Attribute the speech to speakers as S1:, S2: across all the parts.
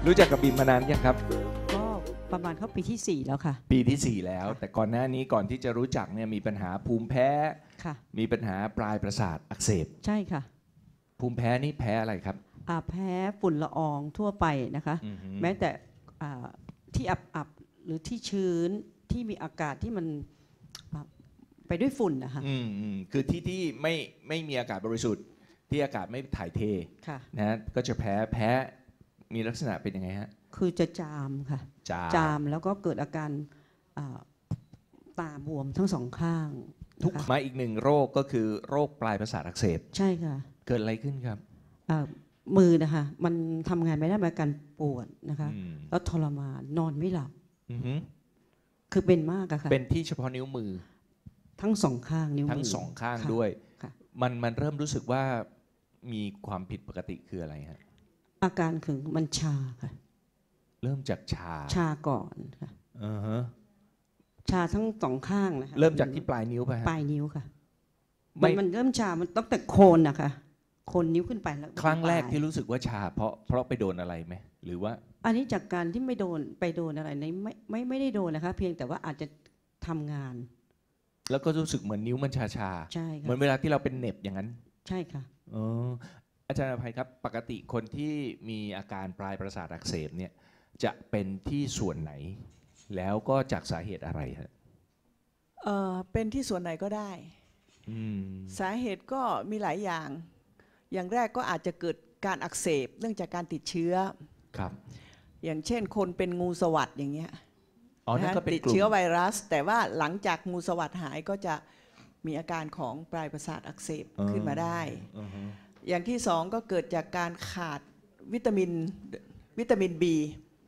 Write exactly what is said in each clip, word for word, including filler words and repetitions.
S1: รู้จักกับบีมมานานยังครับ
S2: ก็ประมาณเข้าปีที่สี่แล้วค่ะ
S1: ปีที่สี่แล้วแต่ก่อนหน้านี้ก่อนที่จะรู้จักเนี่ยมีปัญหาภูมิแพ้
S2: ค่ะ
S1: มีปัญหาปลายประสาทอักเสบ
S2: ใช่ค่ะ
S1: ภูมิแพ้นี่แพ้อะไรครับ
S2: อ่าแพ้ฝุ่นละอองทั่วไปนะคะแม้แต่อ่าที่อับๆหรือที่ชื้นที่มีอากาศที่มันไปด้วยฝุ่นนะคะ
S1: อืมอืมคือที่ที่ไม่ไม่มีอากาศบริสุทธิ์ที่อากาศไม่ถ่ายเทนะก็จะแพ้แพ้มีลักษณะเป็นยังไงฮะ
S2: คือจะจามค่ะ
S1: จาม
S2: จามแล้วก็เกิดอาการตาบวมทั้งสองข้าง
S1: ทุกมาอีกหนึ่งโรคก็คือโรคปลายประสาทอักเสบ
S2: ใช่ค่ะ
S1: เกิดอะไรขึ้นครับ
S2: มือนะคะมันทำงานไม่ได้มาการปวดนะคะแล้วทรมานนอนไม่หลับคือเป็นมากอะค่ะ
S1: เป็นที่เฉพาะนิ้วมือ
S2: ทั้งสองข้างนิ้วมือ
S1: ทั้งสองข้างด้วยมันมันเริ่มรู้สึกว่ามีความผิดปกติคืออะไรฮะ
S2: อาการคือมันชาค่ะ
S1: เริ่มจากชา
S2: ชาก่อนค่ะ
S1: อือฮะ
S2: ชาทั้งสองข้างนะคะ
S1: เริ่มจากที่ปลายนิ้วไป
S2: ปลายนิ้วค่ะมันมันเริ่มชามันต้องแต่โคนนะคะโคนนิ้วขึ้นไปแล้ว
S1: ครั้งแรกที่รู้สึกว่าชาเพราะเพราะไปโดนอะไรไหมหรือว่า
S2: อันนี้จากการที่ไม่โดนไปโดนอะไรในไม่ไม่ไม่ได้โดนนะคะเพียงแต่ว่าอาจจะทำงาน
S1: แล้วก็รู้สึกเหมือนนิ้วมันชาชา
S2: ใช่ค่ะ
S1: เหมือนเวลาที่เราเป็นเน็บอย่างนั้น
S2: ใช่ค่ะ
S1: อ๋ออาจารย์อภัยครับปกติคนที่มีอาการปลายประสาทอักเสบเนี่ยจะเป็นที่ส่วนไหนแล้วก็จากสาเหตุอะไรฮะ
S3: เอ่อเป็นที่ส่วนไหนก็ได้สาเหตุก็มีหลายอย่างอย่างแรกก็อาจจะเกิดการอักเสบเนื่องจากการติดเชื้อ
S1: ครับ
S3: อย่างเช่นคนเป็นงูสวัสด์อย่างเงี้ย
S1: ติ
S3: ดเชื้อไวรัสแต่ว่าหลังจากงูสวัสด์หายก็จะมีอาการของปลายประสาทอักเสบขึ้นมาได้อย่างที่สองก็เกิดจากการขาดวิตามินวิตามิน B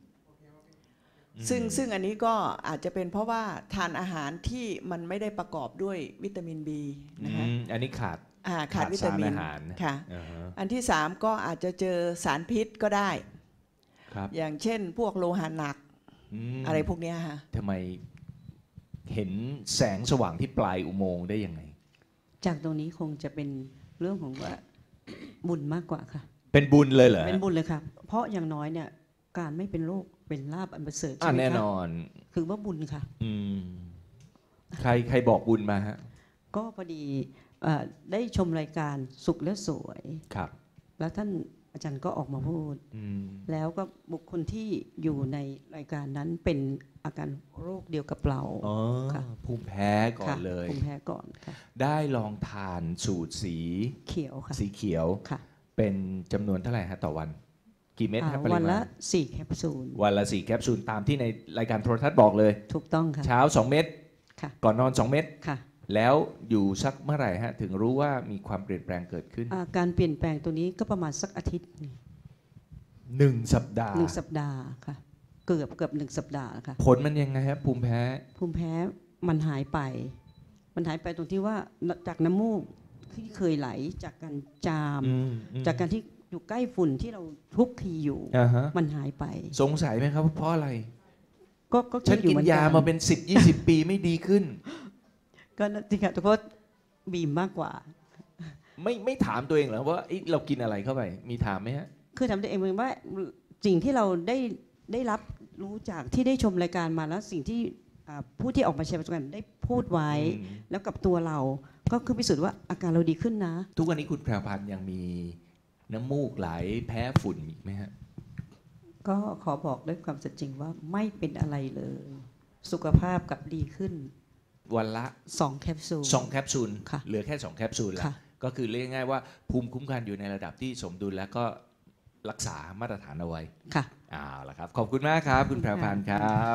S3: ซึ่งซึ่งอันนี้ก็อาจจะเป็นเพราะว่าทานอาหารที่มันไม่ได้ประกอบด้วยวิตามิน B นะคะ
S1: อันนี้ขาด
S3: ขาดวิตามินค่ะอันที่สามก็อาจจะเจอสารพิษก็ได้อย่างเช่นพวกโลหะหนักอะไรพวกนี้ค่ะ
S1: ทำไมเห็นแสงสว่างที่ปลายอุโมงค์ได้ยังไง
S2: จากตรงนี้คงจะเป็นเรื่องของว่าบุญมากกว่าค่ะ
S1: เป็นบุญเลยเหรอ
S2: เป็นบุญเลยค่ะเพราะอย่างน้อยเนี่ยการไม่เป็นโรคเป็นลาภอันประเสริฐใช่ไหมคะ
S1: แน่นอน
S2: คือว่าบุญค่ะ
S1: อืมใครใครบอกบุญมาฮะ
S2: ก็พอดีได้ชมรายการสุขและสวย
S1: ครับ
S2: แล้วท่านอาจารย์ก็ออกมาพูดแล้วก็บุคคลที่อยู่ในรายการนั้นเป็นอาการโรคเดียวกับเรา
S1: ค่ะภูมิแพ้ก่อนเลย
S2: ภูมิแพ้ก่อนค่ะ
S1: ได้ลองทานสูตรสี
S2: เขียวค่ะ
S1: สีเขียว
S2: ค่ะ
S1: เป็นจำนวนเท่าไหร่ฮะต่อวันกี่เม็ดครับ
S2: วันละสี่แคปซูล
S1: วันละสี่แคปซูลตามที่ในรายการโทรทัศน์บอกเลย
S2: ถูกต้องค่ะ
S1: เช้าสองเม็ดก่อนนอนสองเม็ด
S2: ค่ะ
S1: แล้วอยู่สักเมื่อไหร่ฮะถึงรู้ว่ามีความเปลี่ยนแปลงเกิดขึ้น
S2: การเปลี่ยนแปลงตัวนี้ก็ประมาณสักอาทิตย์
S1: หนึ่งสัปดาห์
S2: หนึ่งสัปดาห์ค่ะเกือบเกือบหนึ่งสัปดาห์ค่ะ
S1: ผลมันยังไงครับภูมิแพ้
S2: ภูมิแพ้มันหายไปมันหายไปตรงที่ว่าจากน้ำมูกที่เคยไหลจากการจามจากการที่อยู่ใกล้ฝุ่นที่เราทุกทีอยู่มันหายไป
S1: สงสัยไหมครับเพราะอะไร
S2: ก็ก็
S1: ฉันกินยามาเป็นสิบยี่สิบปีไม่ดีขึ้น
S2: ก็จริงๆแต่เพราะบีมมากกว่า
S1: ไม่ไม่ถามตัวเองเหรอว่าเรากินอะไรเข้าไปมีถามไหมฮะ
S2: คือถามตัวเองว่าสิ่งที่เราได้ได้รับรู้จากที่ได้ชมรายการมาแล้วสิ่งที่ผู้ที่ออกมาแชร์ประสบการณ์ได้พูดไว้แล้วกับตัวเราก็คือพิสูจน์ว่าอาการเราดีขึ้นนะ
S1: ทุกวันนี้คุณแพรวพันธ์ยังมีน้ำมูกไหลแพ้ฝุ่นอีกไหมฮะ
S2: ก็ขอบอกด้วยความสัจจริงว่าไม่เป็นอะไรเลยสุขภาพกับดีขึ้น
S1: วันละ
S2: สองแคปซูล
S1: สองแคปซูลเหลือแค่สองแคปซูลแล้วก็คือเรียกง่ายๆว่าภูมิคุ้มกันอยู่ในระดับที่สมดุลแล้วก็รักษามาตรฐานเอาไว้
S2: ค่ะ
S1: เอาล่ะครับขอบคุณมากครับคุณแพรวพันธ์ครับ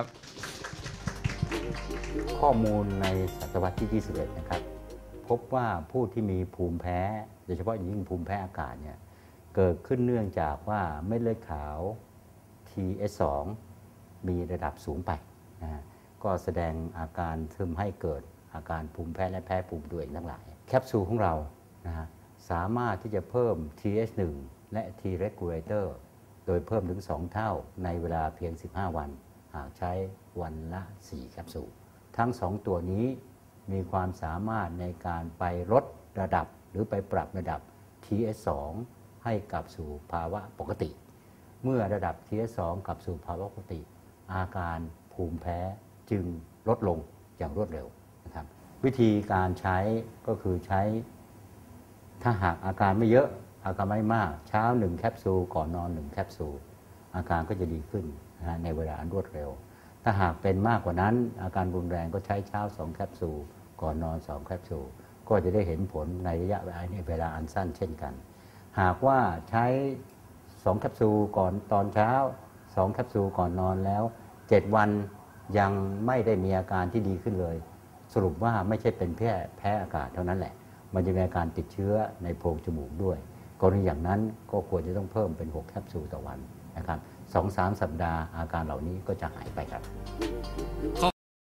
S4: ข้อมูลในศตวรรษที่ยี่สิบเอ็ดนะครับพบว่าผู้ที่มีภูมิแพ้โดยเฉพาะอย่างยิ่งภูมิแพ้อากาศเนี่ยเกิดขึ้นเนื่องจากว่าเม็ดเลือดขาว ที เอส สอง มีระดับสูงไปนะฮะก็แสดงอาการทำให้เกิดอาการภูมิแพ้และแพ้ภูมิตัวเองทั้งหลายแคปซูลของเรานะฮะสามารถที่จะเพิ่ม ที เอช หนึ่ง และ T regulator โดยเพิ่มถึงสองเท่าในเวลาเพียงสิบห้าวันหากใช้วันละสี่แคปซูลทั้งสองตัวนี้มีความสามารถในการไปลดระดับหรือไปปรับระดับ ที เอส สอง ให้กลับสู่ภาวะปกติเมื่อระดับ ที เอส สอง กลับสู่ภาวะปกติอาการภูมิแพ้จึงลดลงอย่างรวดเร็วนะครับวิธีการใช้ก็คือใช้ถ้าหากอาการไม่เยอะอาการไม่มากเช้าหนึ่งแคปซูลก่อนนอนหนึ่งแคปซูลอาการก็จะดีขึ้นนะฮะในเวลาอันรวดเร็วถ้าหากเป็นมากกว่านั้นอาการรุนแรงก็ใช้เช้าสองแคปซูลก่อนนอนสองแคปซูลก็จะได้เห็นผลในระยะเวลาอันสั้นเช่นกันหากว่าใช้สองแคปซูลก่อนตอนเช้าสองแคปซูลก่อนนอนแล้วเจ็ดวันยังไม่ได้มีอาการที่ดีขึ้นเลยสรุปว่าไม่ใช่เป็นแค่แพ้อากาศเท่านั้นแหละมันจะมีอาการติดเชื้อในโพรงจมูกด้วยกรณีอย่างนั้นก็ควรจะต้องเพิ่มเป็นหกแคปซูลต่อวันนะครับ สองถึงสาม สัปดาห์อาการเหล่านี้ก็จะหายไปครับ